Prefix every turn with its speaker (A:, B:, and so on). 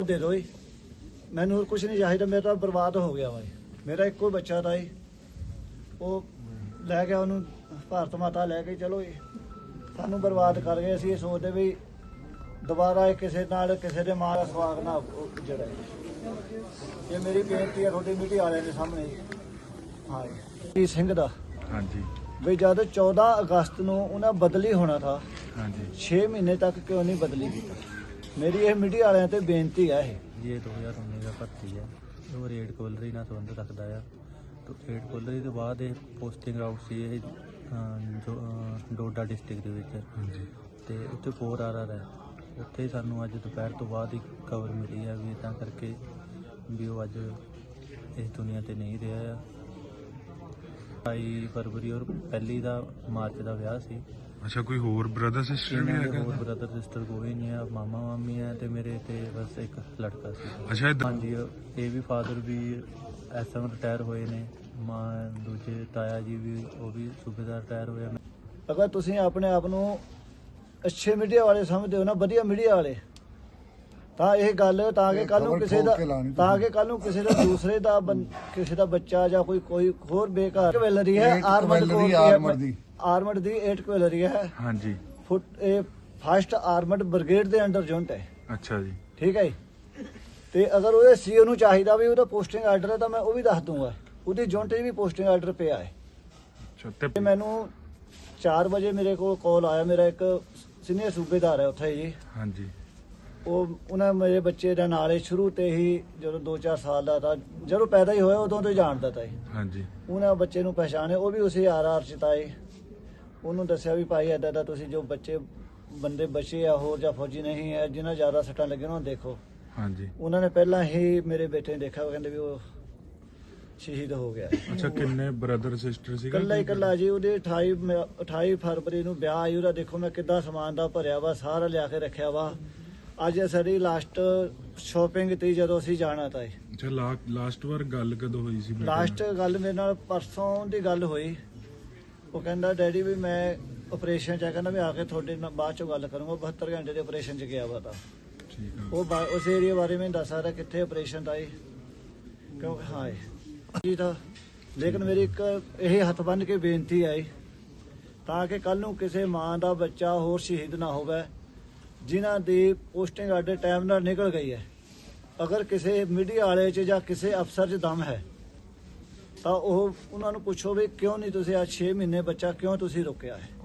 A: ਦੇ ਦਿਓ ਜੀ, ਮੈਨੂੰ ਹੋਰ ਕੁਝ ਨਹੀਂ ਚਾਹੀਦਾ, ਮੇਰਾ ਤਾਂ ਬਰਬਾਦ ਹੋ ਗਿਆ ਵਾ ਜੀ। ਮੇਰਾ ਇੱਕੋ ਬੱਚਾ ਤਾਂ ਜੀ, ਉਹ ਲੈ ਗਿਆ ਉਹਨੂੰ ਭਾਰਤ ਮਾਤਾ ਲੈ ਕੇ ਚਲੋ ਜੀ, ਸਾਨੂੰ ਬਰਬਾਦ ਕਰ ਗਏ। ਅਸੀਂ ਇਹ ਸੋਚਦੇ ਵੀ ਦੁਬਾਰਾ ਇਹ ਕਿਸੇ ਨਾਲ ਕਿਸੇ ਦੇ ਮਾਂ ਦਾ ਸਵਾਗ ਨਾ ਜਿਹੜਾ ਇਹ ਮੇਰੀ ਬੇਨਤੀ ਹੈ ਤੁਹਾਡੀ ਮੀਡੀਆ ਵਾਲਿਆਂ ਦੇ ਸਾਹਮਣੇ ਜੀ। ਹਾਂ ਜੀ ਸਿੰਘ ਦਾ
B: ਹਾਂਜੀ
A: ਵੀ ਜਦ 14 ਅਗਸਤ ਨੂੰ ਉਹਨਾਂ ਬਦਲੀ ਹੋਣਾ ਥਾ,
B: ਹਾਂਜੀ
A: 6 ਮਹੀਨੇ ਤੱਕ ਕਿਉਂ ਨਹੀਂ ਬਦਲੀ ਕੀਤਾ? ਮੇਰੀ ਇਹ ਮੀਡੀਆ ਵਾਲਿਆਂ ਤੇ ਬੇਨਤੀ ਹੈ
C: ਇਹ 2019 ਦਾ ਭਰਤੀ ਹੈ, ਉਹ ਰੇਡ ਕੋਲਰੀ ਨਾਲ ਸੰਬੰਧ ਰੱਖਦਾ ਆ। ਰੇਡ ਕੋਲਰੀ ਤੋਂ ਬਾਅਦ ਇਹ ਪੋਸਟਿੰਗ ਆਊਟ ਸੀ ਇਹ ਡੋਡਾ ਡਿਸਟ੍ਰਿਕਟ ਦੇ ਵਿੱਚ।
B: ਹਾਂਜੀ
C: ਤੇ ਉੱਥੇ 4 RR ਹੈ, ਉੱਥੇ ਸਾਨੂੰ ਅੱਜ ਦੁਪਹਿਰ ਤੋਂ ਬਾਅਦ ਹੀ ਖਬਰ ਮਿਲੀ ਹੈ ਵੀ ਤਾਂ ਕਰਕੇ ਵੀ ਉਹ ਅੱਜ ਇਸ ਦੁਨੀਆ ਤੇ ਨਹੀਂ ਰਿਹਾ ਆ। 22 ਫਰਵਰੀ ਔਰ 1 ਮਾਰਚ ਦਾ ਵਿਆਹ ਸੀ।
B: ਅੱਛਾ, ਕੋਈ ਹੋਰ ਬ੍ਰਦਰ ਸਿਸਟਰ ਵੀ
C: ਇਹਨਾਂ ਦੇ
B: ਹੈਗਾ?
C: ਹੋਰ ਬ੍ਰਦਰ ਸਿਸਟਰ ਕੋਈ ਨਹੀਂ ਆ, ਮਾਮਾ ਮਾਮੀ ਹੈ ਤੇ ਮੇਰੇ ਤੇ ਬਸ ਇੱਕ ਲੜਕਾ ਸੀ।
B: ਅੱਛਾ
C: ਹਾਂਜੀ, ਇਹ ਵੀ ਫਾਦਰ ਵੀ SM ਰਿਟਾਇਰ ਹੋਏ ਨੇ, ਮਾਂ ਦੂਜੇ ਤਾਇਆ ਜੀ ਵੀ ਉਹ ਵੀ ਸੂਬੇਦਾਰ ਰਿਟਾਇਰ ਹੋਏ ਨੇ।
A: ਅਗਰ ਤੁਸੀਂ ਆਪਣੇ ਆਪ ਨੂੰ ਅੱਛੇ ਮੀਡੀਆ ਵਾਲੇ ਸਮਝਦੇ ਹੋ ਨਾ, ਵਧੀਆ ਮੀਡੀਆ ਵਾਲੇ, ਤਾਂ ਇਹ ਗੱਲ ਤਾਂ ਕਿ ਕੱਲ ਨੂੰ ਕਿਸੇ ਦਾ ਕਿਸੇ ਦਾ ਦੂਸਰੇ ਦਾ ਕਿਸੇ ਦਾ ਬੱਚਾ ਜਾਂ ਕੋਈ ਹੋਰ ਬੇਕਾਰ ਕਵੈਲਰੀ ਹੈ ਆਰਮਡ ਦੀ 8 ਕਵੈਲਰੀ ਹੈ।
B: ਹਾਂਜੀ
A: ਇਹ ਫਸਟ ਆਰਮਡ ਬ੍ਰਿਗੇਡ ਦੇ ਅੰਡਰ ਯੂਨਿਟ ਹੈ।
B: ਅੱਛਾ ਜੀ,
A: ਠੀਕ ਹੈ ਜੀ। ਤੇ ਅਗਰ ਉਹਦੇ ਸੀਓ ਨੂੰ ਚਾਹੀਦਾ ਵੀ ਉਹਦਾ ਪੋਸਟਿੰਗ ਆਰਡਰ ਹੈ ਤਾਂ ਮੈਂ ਉਹ ਵੀ ਦੱਸ ਦੂੰਗਾ, ਉਹਦੀ ਯੂਨਿਟ 'ਚ ਵੀ ਪੋਸਟਿੰਗ ਆਰਡਰ ਪਿਆ ਹੈ।
B: ਅੱਛਾ
A: ਤੇ ਮੈਨੂੰ 4 ਵਜੇ ਮੇਰੇ ਕੋਲ ਕਾਲ ਆਇਆ, ਮੇਰਾ ਇੱਕ ਸੀਨੀਅਰ ਸੂਬੇਦਾਰ ਹੈ ਉੱਥੇ ਜੀ।
B: ਹਾਂਜੀ
A: ਉਹਨਾਂ ਮੇਰੇ ਬੱਚੇ ਦਾ ਨਾਲ ਹੀ ਸ਼ੁਰੂ ਤੇ ਹੀ ਜਦੋਂ 2-4 ਸਾਲ ਦਾ ਤਾਂ ਜਦੋਂ ਪੈਦਾ ਹੀ ਹੋਇਆ ਉਦੋਂ ਤੋਂ ਜਾਣਦਾ ਤਾ ਜੀ।
B: ਹਾਂਜੀ
A: ਉਹਨਾਂ ਬੱਚੇ ਨੂੰ ਪਛਾਣੇ, ਉਹ ਵੀ ਉਸੇ RR ਚ ਤਾਂ ਜੀ। ਉਹਨੂੰ ਦੱਸਿਆ ਵੀ ਭਾਈ ਏਦਾਂ ਦਾ ਤੁਸੀਂ ਜੋ ਬੰਦੇ ਬਚੇ ਆ ਹੋਰ ਜਾਂ ਫੌਜੀ ਨਹੀਂ ਹੈ ਜਿਨ੍ਹਾਂ ਜ਼ਿਆਦਾ ਸੱਟਾਂ ਲੱਗੀਆਂ ਉਹਨਾਂ ਨੂੰ ਦੇਖੋ।
B: ਹਾਂਜੀ
A: ਉਹਨਾਂ ਨੇ ਪਹਿਲਾਂ ਹੀ ਮੇਰੇ ਬੇਟੇ ਨੇ ਦੇਖਿਆ, ਉਹ ਕਹਿੰਦੇ ਵੀ ਉਹ ਸ਼ਹੀਦ ਹੋ ਗਿਆ।
B: ਅੱਛਾ, ਕਿੰਨੇ ਬ੍ਰਦਰ ਸਿਸਟਰ ਸੀਗਾ?
A: ਇਕੱਲਾ ਜੀ। ਉਹਦੇ 28 ਫਰਵਰੀ ਨੂੰ ਵਿਆਹ ਆਈ ਉਹਦਾ। ਦੇਖੋ ਮੈਂ ਕਿੱਦਾਂ ਸਮਾਨ ਦਾ ਭਰਿਆ ਵਾ, ਸਾਰਾ ਲਿਆ ਕੇ ਰੱਖਿਆ ਵਾ। ਅੱਜ ਸਾਡੀ ਲਾਸਟ ਸ਼ਾਪਿੰਗ ਤੀ ਜਦੋਂ ਅਸੀਂ ਜਾਣਾ ਤਾਂ।
B: ਅੱਛਾ, ਲਾਸਟ ਵਾਰ ਗੱਲ ਕਦੋਂ ਹੋਈ ਸੀ?
A: ਲਾਸਟ ਗੱਲ ਮੇਰੇ ਨਾਲ ਪਰਸੋਂ ਦੀ ਗੱਲ ਹੋਈ। ਉਹ ਕਹਿੰਦਾ ਡੈਡੀ ਵੀ ਮੈਂ ਆਪਰੇਸ਼ਨ ਚ ਆ, ਕਹਿੰਦਾ ਵੀ ਆ ਕੇ ਤੁਹਾਡੇ ਨਾਲ ਬਾਅਦ ਚੋਂ ਗੱਲ ਕਰੂੰਗਾ। 72 ਘੰਟੇ ਦੇ ਆਪਰੇਸ਼ਨ ਚ ਗਿਆ ਵਾ ਤਾਂ।
B: ਠੀਕ ਆ।
A: ਉਹ ਉਸ ਏਰੀਆ ਬਾਰੇ ਮੈਨੂੰ ਦੱਸ ਸਕਦਾ ਕਿੱਥੇ ਆਪਰੇਸ਼ਨ ਦਾ ਕਿਉਂਕਿ ਹਾਂ ਜੀ ਤਾਂ। ਲੇਕਿਨ ਮੇਰੀ ਇੱਕ ਇਹ ਹੱਥ ਬੰਨ੍ਹ ਕੇ ਬੇਨਤੀ ਹੈ ਤਾਂ ਕਿ ਕੱਲ ਨੂੰ ਕਿਸੇ ਮਾਂ ਦਾ ਬੱਚਾ ਹੋਰ ਸ਼ਹੀਦ ਨਾ ਹੋਵੇ ਜਿਨ੍ਹਾਂ ਦੀ ਪੋਸਟਿੰਗ ਆਰਡਰ ਟਾਈਮ ਨਾਲ ਨਿਕਲ ਗਈ ਹੈ। ਅਗਰ ਕਿਸੇ ਮੀਡੀਆ ਵਾਲੇ 'ਚ ਜਾਂ ਕਿਸੇ ਅਫਸਰ 'ਚ ਦਮ ਹੈ ਤਾਂ ਉਹ ਉਹਨਾਂ ਨੂੰ ਪੁੱਛੋ ਵੀ ਕਿਉਂ ਨਹੀਂ ਤੁਸੀਂ ਅੱਜ 6 ਮਹੀਨੇ ਬੱਚਾ ਕਿਉਂ ਤੁਸੀਂ ਰੋਕਿਆ ਹੈ।